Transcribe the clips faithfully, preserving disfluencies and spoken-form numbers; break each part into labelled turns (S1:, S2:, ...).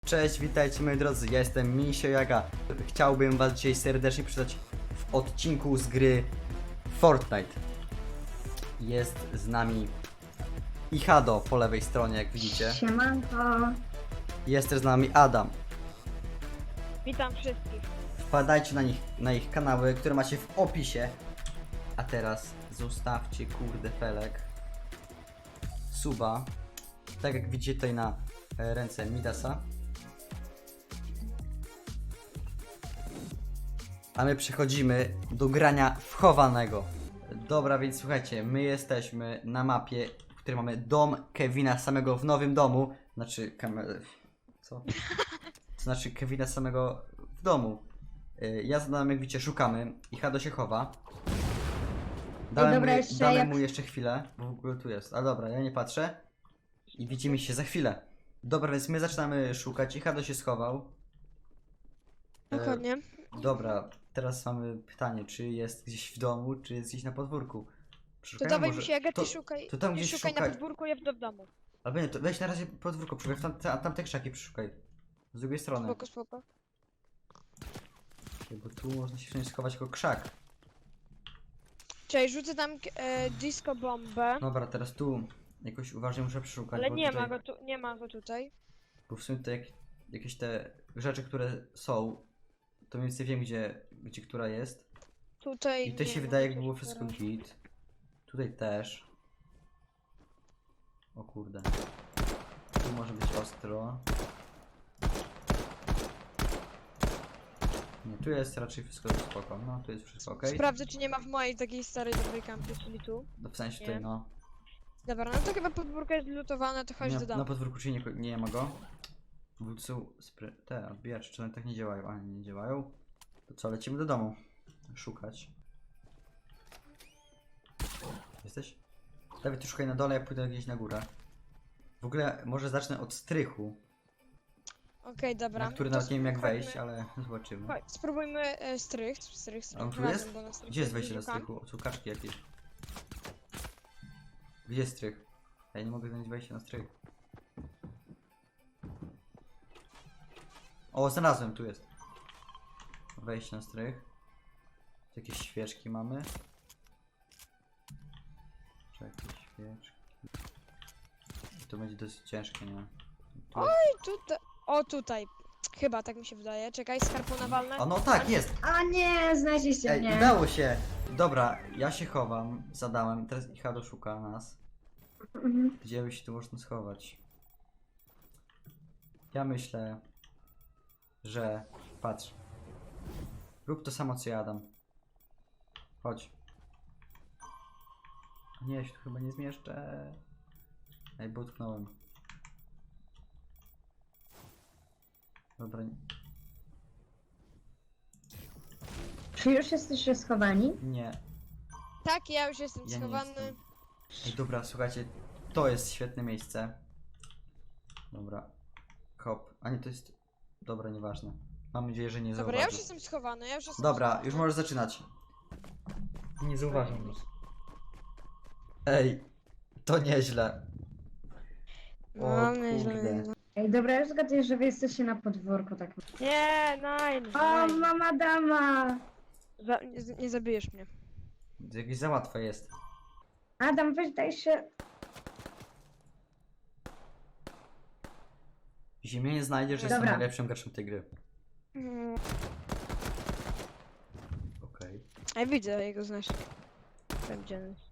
S1: Cześć, witajcie moi drodzy, ja jestem Misio Jaga. Chciałbym was dzisiaj serdecznie przywitać w odcinku z gry Fortnite. Jest z nami Ichado po lewej stronie, jak widzicie.
S2: Siemanko.
S1: Jest też z nami Adam.
S3: Witam wszystkich.
S1: Wpadajcie na nich, na ich kanały, które macie w opisie. A teraz zostawcie kurde felek suba. Tak jak widzicie tutaj na e, ręce Midasa. A my przechodzimy do grania w chowanego. Dobra, więc słuchajcie, my jesteśmy na mapie, w której mamy dom Kevina samego w nowym domu. Znaczy, kamer... co? To znaczy Kevina samego w domu. Y, Ja za nami, jak widzicie, szukamy. I Hado się chowa. Dałem,
S2: dobra,
S1: mu,
S2: jeszcze
S1: dałem
S2: jak-
S1: mu jeszcze chwilę, bo w ogóle tu jest. A dobra, ja nie patrzę. I widzimy się za chwilę. Dobra, więc my zaczynamy szukać. I Hado się schował. E,
S3: Dokładnie.
S1: Dobra, teraz mamy pytanie, czy jest gdzieś w domu, czy jest gdzieś na podwórku.
S3: To
S1: Przeszukajmy
S3: dawaj
S1: może-
S3: mi się, Aga,
S1: to-
S3: ty szukaj.
S1: to tam
S3: ty
S1: gdzieś
S3: szukaj
S1: szukaj.
S3: na podwórku, ja w, w domu.
S1: Albo nie, to weź na razie podwórko, przeszukaj, w tamte, tamte krzaki przeszukaj. Z drugiej strony.
S3: Spoko, spoko.
S1: Bo tu można się wszędzie schować jako krzak.
S3: Cześć, rzucę tam e, disco bombę.
S1: Dobra, teraz tu jakoś uważnie muszę przeszukać.
S3: Ale
S1: bo
S3: nie
S1: tutaj,
S3: ma go tu, nie ma go tutaj.
S1: Bo w sumie to jak, jakieś te rzeczy, które są, to mniej więcej wiem, gdzie, gdzie która jest.
S3: Tutaj.
S1: I to
S3: nie
S1: się
S3: ma
S1: wydaje,
S3: chociaż
S1: jakby było wszystko
S3: teraz.
S1: git. Tutaj też. O kurde. Tu może być ostro. Nie, tu jest raczej wszystko spoko. No, tu jest wszystko ok.
S3: Sprawdzę, czy nie ma w mojej takiej starej dobrej kampie, czyli tu.
S1: No, w sensie
S3: Nie.
S1: tutaj, no.
S3: Dobra, no to chyba podwórko jest lutowane, to chodź
S1: Nie,
S3: do domu.
S1: na podwórku czy nie, nie ma go. W są spry... te odbijacze, czy one tak nie działają? A nie działają. To co, lecimy do domu. Szukać. Jesteś? Dawid, ty szukaj na dole, ja pójdę gdzieś na górę. W ogóle może zacznę od strychu,
S3: Okej, dobra.
S1: na który
S3: to
S1: nawet nie wiem jak
S3: chodźmy-
S1: wejść, ale zobaczymy.
S3: Chodź, spróbujmy e, strych, strych, strych.
S1: A on tu
S3: razem,
S1: jest?
S3: bo na strych
S1: Gdzie jest wejście do
S3: szukam.
S1: strychu? O, są kaczki jakieś. Gdzie jest strych? Ja nie mogę znaleźć wejścia na strych. O, znalazłem, tu jest. Wejście na strych. Tu jakieś świeczki mamy. Czy jakieś świeczki? To będzie dosyć ciężkie, nie? Tu jest...
S3: I tutaj. O, tutaj. Chyba, tak mi się wydaje. Czekaj, skarpona walne.
S1: O, no tak, jest!
S2: A nie, znaleźliście
S1: Ej,
S2: mnie.
S1: udało się! Dobra, ja się chowam, zadałem, teraz Ichado szuka nas.
S2: Mhm.
S1: Gdzie by się tu można schować? Ja myślę, że... Patrz. Rób to samo co ja, Adam. Chodź. Nie, ja się tu chyba nie zmieszczę. Ej, bo utknąłem. Dobra.
S2: Czy już jesteście schowani?
S1: Nie.
S3: Tak, ja już jestem
S1: Ja nie
S3: schowany.
S1: jestem. Ej, dobra, słuchajcie. To jest świetne miejsce. Dobra. Hop. A nie, to jest... Dobra, nieważne. Mam nadzieję, że nie
S3: Dobra,
S1: zauważy.
S3: ja już jestem schowany, ja już jestem
S1: Dobra,
S3: schowany.
S1: już możesz zaczynać. Nie zauważam nic. Ej, to nieźle. O
S3: No, nieźle,
S1: kurde.
S3: nieźle.
S2: Ej, dobra, już zgaduję, że wy jesteście na podwórku, tak.
S3: Nie, nein,
S2: O,
S3: nein.
S2: mama dama!
S3: Za, nie, nie zabijesz mnie.
S1: Jakieś za łatwe jest.
S2: Adam, weź daj się.
S1: Jeśli mnie nie znajdziesz, jestem
S2: Dobra.
S1: najlepszym graczem tej gry.
S3: Mm.
S1: Okej.
S3: Ja widzę jego znacznik. Wiem, gdzie on jest.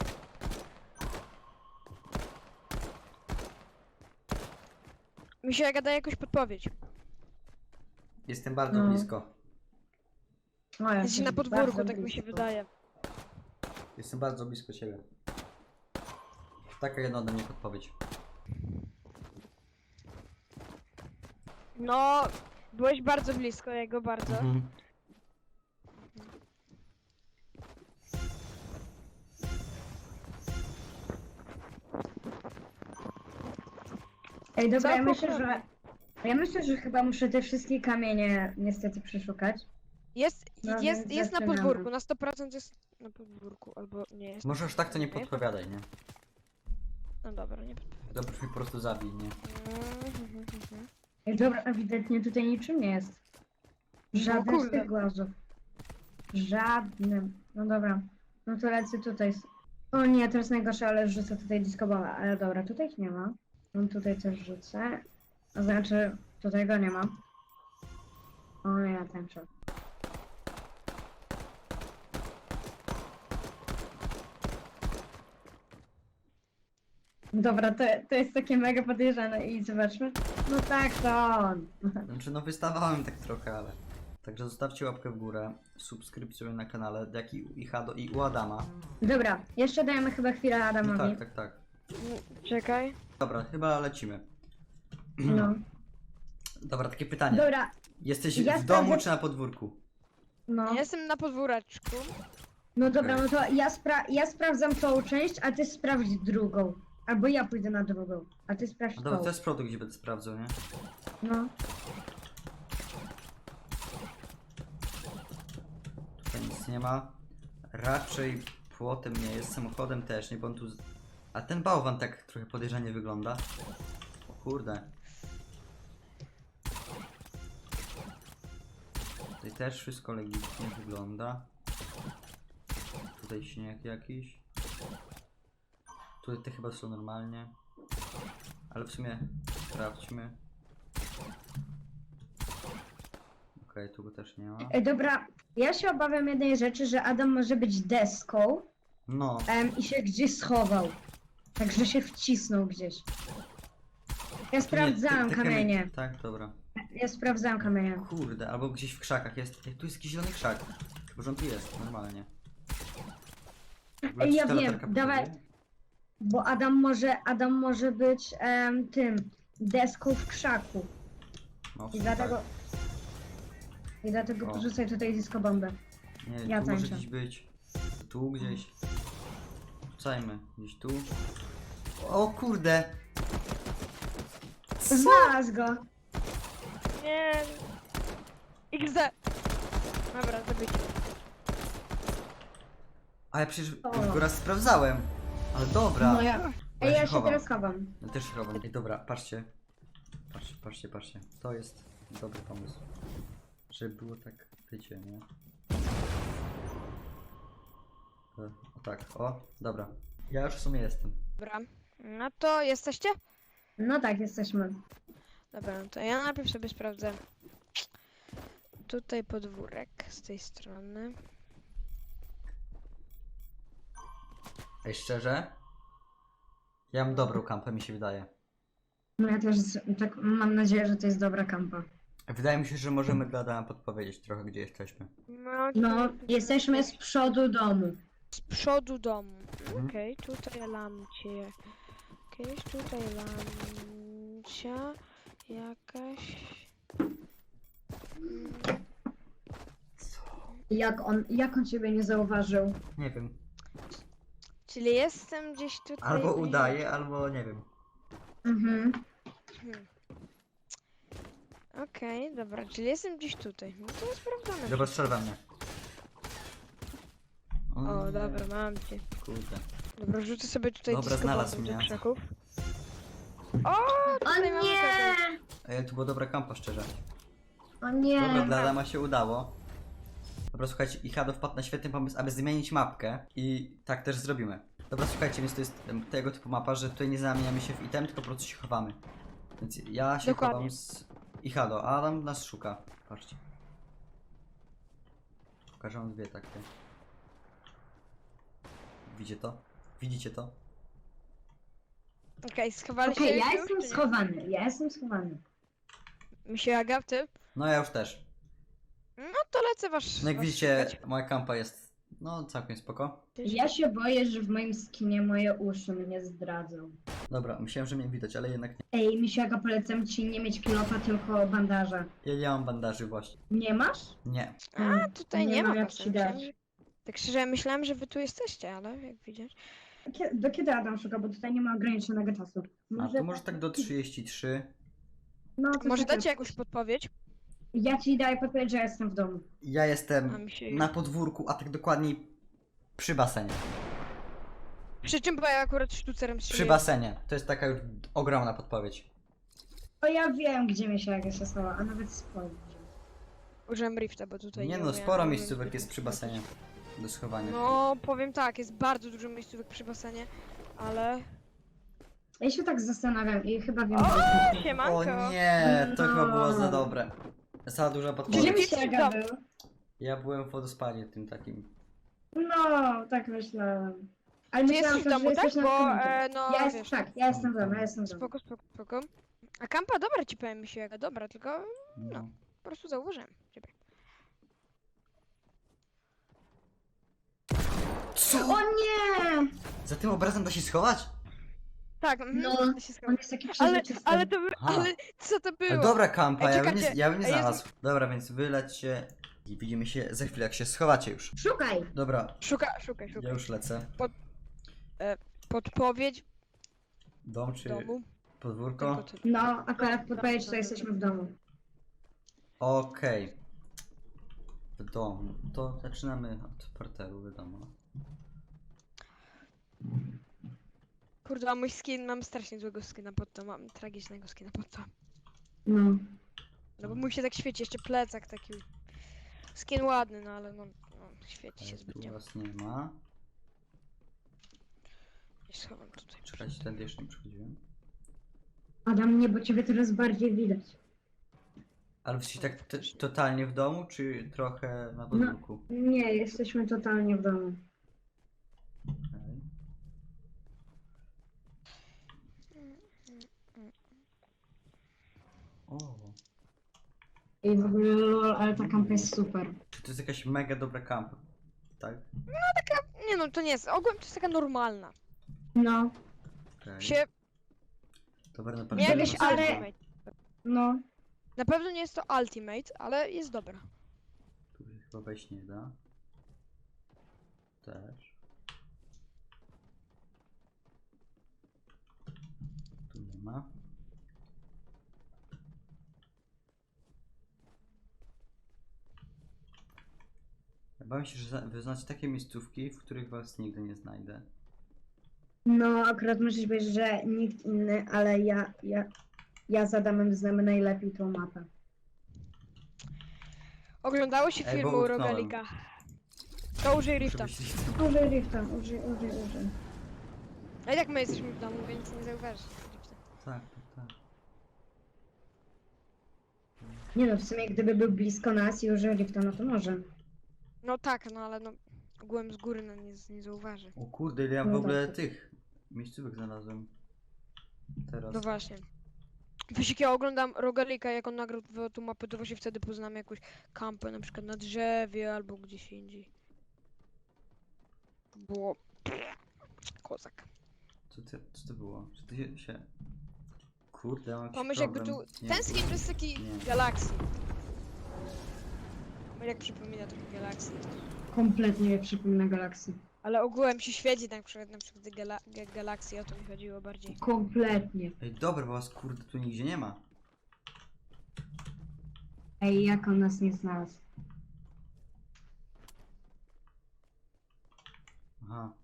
S3: Mi się gada jakąś podpowiedź.
S1: Jestem bardzo
S2: No.
S1: blisko.
S2: O, ja
S3: Jesteś
S2: też
S3: na podwórku,
S2: bardzo
S3: tak mi się
S2: blisko.
S3: wydaje.
S1: Jestem bardzo blisko ciebie. Taka jedna ode mnie podpowiedź.
S3: No, byłeś bardzo blisko jego, bardzo.
S1: Mhm.
S2: Ej, dobra,
S3: Co
S2: ja myślę,
S3: poprawię?
S2: że... Ja myślę, że chyba muszę te wszystkie kamienie niestety przeszukać.
S3: Jest,
S2: No,
S3: jest,
S2: więc
S3: jest na
S2: zaczynamy.
S3: podwórku, na sto procent jest na podwórku, albo nie jest.
S1: Może aż tak to nie
S3: Jest?
S1: podpowiadaj, nie?
S3: No dobra, nie podpowiadam.
S1: Dobrze mi po prostu zabij, nie?
S3: Mhm, mhm, mhm.
S2: Ej, dobra, ewidentnie tutaj niczym nie jest. Żaden z
S3: kurde.
S2: tych głazów. Żadnym. No dobra. No to lecę tutaj. O nie, to jest najgorsze, ale rzucę tutaj disco balla. Ale dobra, tutaj ich nie ma. No tutaj też rzucę. A znaczy, tutaj go nie ma. O ja tańczę. Dobra, to, to jest takie mega podejrzane i zobaczmy. No tak, to on.
S1: Znaczy, no wystawałem tak trochę, ale... Także zostawcie łapkę w górę, subskrypcję na kanale, jak i u Ichado i u Adama.
S2: Dobra, jeszcze dajemy chyba chwilę
S1: No
S2: Adamowi.
S1: tak, tak, tak.
S3: Czekaj.
S1: Dobra, chyba lecimy.
S2: No.
S1: Dobra, takie pytanie.
S2: Dobra,
S1: Jesteś
S2: Ja
S1: w domu
S2: sprawdzę-
S1: czy na podwórku?
S2: no.
S3: Jestem na podwóreczku.
S2: No dobra, no to ja, spra ja sprawdzam tą część, a ty sprawdź drugą. Albo ja pójdę na drugą, a ty sprawdź
S1: No dobra,
S2: tą.
S1: to jest produkt, gdzie będę sprawdzał, nie?
S2: No.
S1: Tutaj nic nie ma. Raczej płotem nie jest, samochodem też nie, bo on tu... z- A ten bałwan tak trochę podejrzanie wygląda. O kurde. Tutaj też wszystko legitnie wygląda. Tutaj śnieg jakiś. Tutaj te chyba są normalnie. Ale w sumie sprawdźmy. Okej, tu go też nie ma.
S2: Ej, dobra, ja się obawiam jednej rzeczy, że Adam może być deską
S1: No,
S2: em, i się gdzieś schował. Także się wcisnął gdzieś. Ja
S1: tu nie-
S2: sprawdzałam
S1: te- te
S2: kamienie.
S1: Tak, dobra.
S2: Ja sprawdzałam kamienie.
S1: Kurde, albo gdzieś w krzakach jest. Ej, tu jest jakiś zielony krzak. Chyba, że on tu jest, normalnie. W ogóle
S2: Ej,
S1: czy
S2: ja
S1: ta
S2: wiem,
S1: latarka
S2: dawaj.
S1: pokazuje?
S2: Bo Adam może, Adam może być em, tym, deską w krzaku.
S1: No, w
S2: I
S1: sumie
S2: dlatego...
S1: tak.
S2: I dlatego
S1: O.
S2: porzucaj tutaj disco bombę.
S1: Nie,
S2: ja
S1: tu może
S2: tańczę.
S1: gdzieś być. Tu gdzieś. Rzucajmy. Gdzieś tu. O kurde!
S2: Znalazł go!
S3: Nie. iks de. Dobra, zabicie.
S1: A ja przecież
S2: O.
S1: już go raz sprawdzałem. Ale dobra.
S2: No ja...
S1: Ja
S2: Ej,
S1: się
S2: ja się
S1: chowam.
S2: teraz chowam.
S1: Ja też się chowam. Ej, dobra, patrzcie. Patrzcie, patrzcie, patrzcie. To jest dobry pomysł. Żeby było tak, wiecie, nie? E, O tak, o, dobra. Ja już w sumie jestem.
S3: Dobra. No to jesteście?
S2: No tak, jesteśmy.
S3: Dobra, no to ja najpierw sobie sprawdzę. Tutaj podwórek z tej strony.
S1: Ej, szczerze? Ja mam dobrą kampę, mi się wydaje.
S2: No ja też z- tak mam nadzieję, że to jest dobra kampa.
S1: Wydaje mi się, że możemy dla Adama podpowiedzieć trochę, gdzie jesteśmy.
S3: No,
S2: No,
S3: tutaj-
S2: jesteśmy z przodu domu.
S3: z przodu domu.
S1: Mhm.
S3: Okej, tutaj lamcie. Jakieś tutaj lamcia. Jakaś. Mm,
S2: Jak on, jak on ciebie nie zauważył?
S1: Nie wiem.
S3: Czyli jestem gdzieś tutaj.
S1: Albo
S3: bliżej.
S1: udaje, albo nie wiem.
S2: Mhm.
S3: Hmm. Okej, dobra, czyli jestem gdzieś tutaj. No to jest sprawdzone.
S1: Dobra, strzel we mnie.
S3: O,
S1: nie,
S3: dobra, mam cię.
S1: Kurde.
S3: Dobra, rzucę sobie tutaj
S1: Dobra,
S3: disco
S1: znalazł
S3: bombę do
S1: mnie.
S3: krzaków. O,
S2: O
S3: tutaj mamy
S2: nie!
S3: kogoś.
S1: Ej, tu była dobra kampa, szczerze.
S2: O nie!
S1: Dobra, dla Adama się udało. Dobra, słuchajcie, Ichado wpadł na świetny pomysł, aby zmienić mapkę i tak też zrobimy. Dobra, słuchajcie, więc to jest em, tego typu mapa, że tutaj nie zamieniamy się w item, tylko po prostu się chowamy. Więc ja się
S3: Dokładnie.
S1: chowam z Ichado, a Adam nas szuka. Patrzcie. Pokażę wam dwie takie. Widzicie to? Widzicie to?
S3: Okej, schowali
S2: Okej,
S3: się
S2: ja
S3: już,
S2: jestem
S3: czy nie?
S2: schowany, ja jestem schowany.
S3: Mi się Aga, ty?
S1: No ja już też.
S3: No to lecę wasz.
S1: No jak
S3: was
S1: widzicie,
S3: szukać.
S1: moja kampa jest, no całkiem spoko.
S2: Ja się boję, że w moim skinie moje uszy mnie zdradzą.
S1: Dobra, myślałem, że mnie widać, ale jednak nie.
S2: Ej, Misiaga, polecam ci nie mieć kilofa, tylko bandaża.
S1: Ja nie mam bandaży właśnie.
S2: Nie masz?
S1: Nie.
S3: A, tutaj nie,
S2: nie
S3: ma
S2: mam jak
S3: was.
S2: ci
S3: Myślałem,
S2: dać.
S3: że... Tak szczerze, myślałem, że wy tu jesteście, ale jak widzisz.
S2: Kie- Do kiedy Adam szuka, bo tutaj nie ma ograniczonego czasu.
S1: A to może tak do trzydziestu trzech.
S2: No, to
S3: Może
S2: czekaj.
S3: dacie jakąś podpowiedź?
S2: Ja ci daję podpowiedź, że jestem w domu.
S1: Ja
S3: A
S1: jestem
S3: mi się...
S1: na podwórku, a tak dokładniej przy basenie.
S3: Przy czym, bo ja akurat sztucerem
S1: Przy
S3: strzeliłem.
S1: basenie. To jest taka już ogromna podpowiedź.
S2: O, ja wiem, gdzie mi się jak się schowa, a nawet spojrzę.
S3: Użyłem rifta, bo tutaj
S1: Nie
S3: nie
S1: no,
S3: umiałem-
S1: sporo
S3: nie
S1: miejscówek
S3: umiałem
S1: jest przy basenie do schowania.
S3: No, powiem tak, jest bardzo dużo miejscówek przy basenie, ale...
S2: Ja się tak zastanawiam i chyba wiem,
S3: O,
S2: gdzie jest.
S3: siemanko!
S1: O nie, to
S2: No.
S1: chyba było za dobre. Za duża
S2: Gdzie
S1: podpowiedź.
S2: mi się jak był?
S1: Ja byłem w wodospadzie tym takim.
S2: No, tak myślałem. Ale
S3: Ty
S2: myślałam,
S3: jesteś w
S2: że
S3: domu, tak?
S2: jesteś na
S3: Bo,
S2: końcu.
S3: e, no,
S2: Ja jest,
S3: wiesz...
S2: tak, ja jestem w domu, ja jestem w domu.
S3: Spoko, spoko, spoko. A kampa dobra ci powiem mi się, jaka dobra, tylko
S1: No.
S3: po prostu zauważyłem ciebie.
S1: Co?
S2: O nie!
S1: Za tym obrazem da się schować?
S3: Tak, mhm,
S2: No,
S3: to się
S2: On
S3: zgadza.
S2: jest taki
S3: Ale,
S2: przezroczysty.
S3: ale to by,
S1: Aha.
S3: ale co to
S1: Ale
S3: było?
S1: dobra kampa,
S3: Ej,
S1: ja bym nie,
S3: czekajcie,
S1: ja bym nie
S3: a jest-
S1: znalazł. Dobra, więc wylećcie i widzimy się za chwilę, jak się schowacie już.
S2: Szukaj!
S1: Dobra,
S3: Szuka, szukaj,
S1: ja
S3: szukaj.
S1: już lecę.
S3: Podpowiedź
S1: Dom
S3: w
S1: czy
S3: domu.
S1: podwórko?
S3: Tylko to-
S2: No, akurat podpowiedź, że jesteśmy w domu.
S1: Okej. W domu. To zaczynamy od parteru, wiadomo.
S3: Kurde, a mój skin, mam strasznie złego skina pod to, mam tragicznego skina pod to.
S2: No.
S3: No bo mój się tak świeci, jeszcze plecak taki. Skin ładny, no ale no, no świeci się
S1: Ale tu
S3: zbytnio.
S1: was nie ma.
S3: I schowam tutaj.
S1: Czekajcie, tędy jeszcze nie przychodziłem.
S2: Adam, nie, bo ciebie teraz bardziej widać.
S1: Ale jesteście tak t- totalnie w domu, czy trochę na podwórku?
S2: Nie, jesteśmy totalnie w domu.
S1: Okej. O,
S2: I w ogóle, lol, ale ta kampa jest super.
S1: czy to jest jakaś mega dobra kampa? Tak?
S3: Nie no, to nie jest, ogółem to jest taka normalna.
S2: No,
S1: Okej.
S3: Się,
S1: Dobra, na
S3: nie
S1: pewno
S3: jakieś
S1: was
S2: ale-
S1: nie ma.
S3: ultimate.
S2: no.
S3: Na pewno nie jest to ultimate, ale jest dobra.
S1: Tu się chyba wejść nie da. Też. Tu nie ma. Ja bałem się, że za- wyznacie takie miejscówki, w których was nigdy nie znajdę.
S2: No, akurat musisz powiedzieć, że nikt inny, ale ja, ja, ja z Adamem znamy najlepiej tą mapę.
S3: Oglądało się
S1: Ej, bo
S3: filmu
S1: utknąłem.
S3: Rogalika. To użyj rifta.
S1: Muszę być-
S2: Użyj rifta, użyj, użyj, użyj.
S3: A i tak my jesteśmy w domu, więc nie zauważysz rifta.
S1: Tak, tak, tak.
S2: Nie no, w sumie gdyby był blisko nas i użył rifta, no to może.
S3: No tak, no ale no ogółem z góry no nie, nie zauważy.
S1: O kurde, ile ja w
S2: No
S1: ogóle
S2: tak.
S1: tych miejscówek znalazłem. Teraz.
S3: No właśnie. Wiesz, jak ja oglądam Rogalika, jak on nagrał tą mapę, to właśnie wtedy poznam jakąś kampę, na przykład na drzewie albo gdzieś indziej. Było... Kozak.
S1: Co, ty, co to było? Czy ty się... się... Kurde, ja mam jakiś
S3: Pomyśl jakby tu...
S1: problem. Nie
S3: Ten
S1: wiem.
S3: skin to jest taki
S1: Nie.
S3: galaksji. Jak przypomina trochę galaksji.
S2: Kompletnie nie przypomina galaksji.
S3: Ale ogółem się świeci na przykład, na przykład gala ga galaksji, o to mi chodziło bardziej.
S2: Kompletnie.
S1: Ej, dobra, bo was kurde tu nigdzie nie ma.
S2: Ej, jak on nas nie znalazł?
S1: Aha.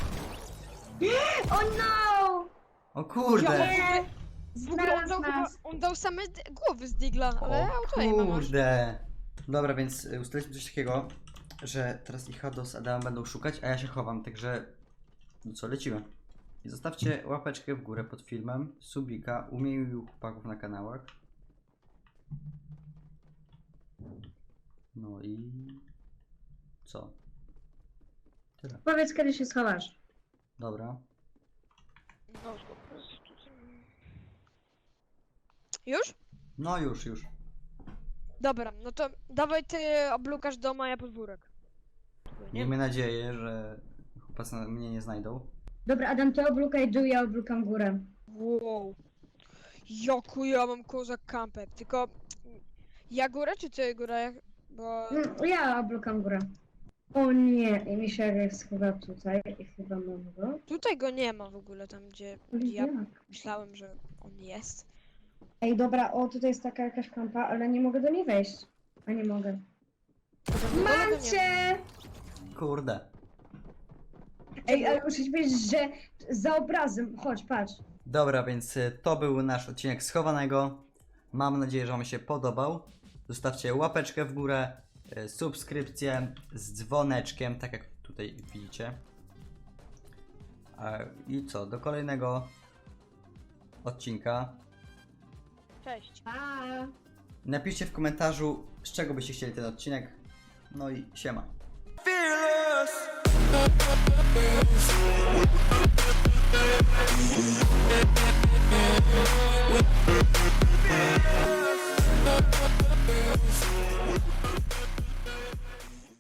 S2: O no!
S1: O kurde!
S2: Nie!
S3: W ogóle on
S2: Znalazł
S3: dał, chyba,
S2: nas!
S3: on dał same d- głowy z Digla, ale
S1: O
S3: auto nie ma masz.
S1: kurde! Dobra, więc y, ustaliliśmy coś takiego, że teraz i Hado z Adamem będą szukać, a ja się chowam, także... No co, lecimy. I zostawcie łapeczkę w górę pod filmem, subika, umiejętnych chłopaków na kanałach. No i... Co? Tyle.
S2: Powiedz, kiedy się schowasz.
S1: Dobra.
S3: No, po prostu. Już?
S1: No już, już.
S3: Dobra, no to dawaj ty oblukasz dom, a ja podwórek. Nie?
S1: Miejmy nadzieję, że chłopacy na- mnie nie znajdą.
S2: Dobra, Adam, ty oblukaj dół, ja oblukam górę.
S3: Wow. Jaku ja mam kozak kampę, tylko... Ja górę czy ty górę? Bo...
S2: Mm, Ja oblukam górę. O nie, i mi się jak schowa tutaj i chyba mam go.
S3: Tutaj go nie ma w ogóle, tam gdzie, gdzie ja
S2: Jak?
S3: myślałem, że on jest.
S2: Ej, dobra, o, tutaj jest taka jakaś kampa, ale nie mogę do niej wejść. A nie mogę.
S3: To tam na dole go
S2: Mam
S3: nie ma.
S2: cię!
S1: Kurde.
S2: Ej, ale muszę ci powiedzieć, że za obrazem, chodź, patrz.
S1: Dobra, więc y, to był nasz odcinek schowanego. Mam nadzieję, że Wam się podobał. Zostawcie łapeczkę w górę, e, subskrypcję z dzwoneczkiem, tak jak tutaj widzicie. E, I co, do kolejnego odcinka.
S3: Cześć.
S2: Pa!
S1: Napiszcie w komentarzu, z czego byście chcieli ten odcinek. No i siema.
S4: Fearless.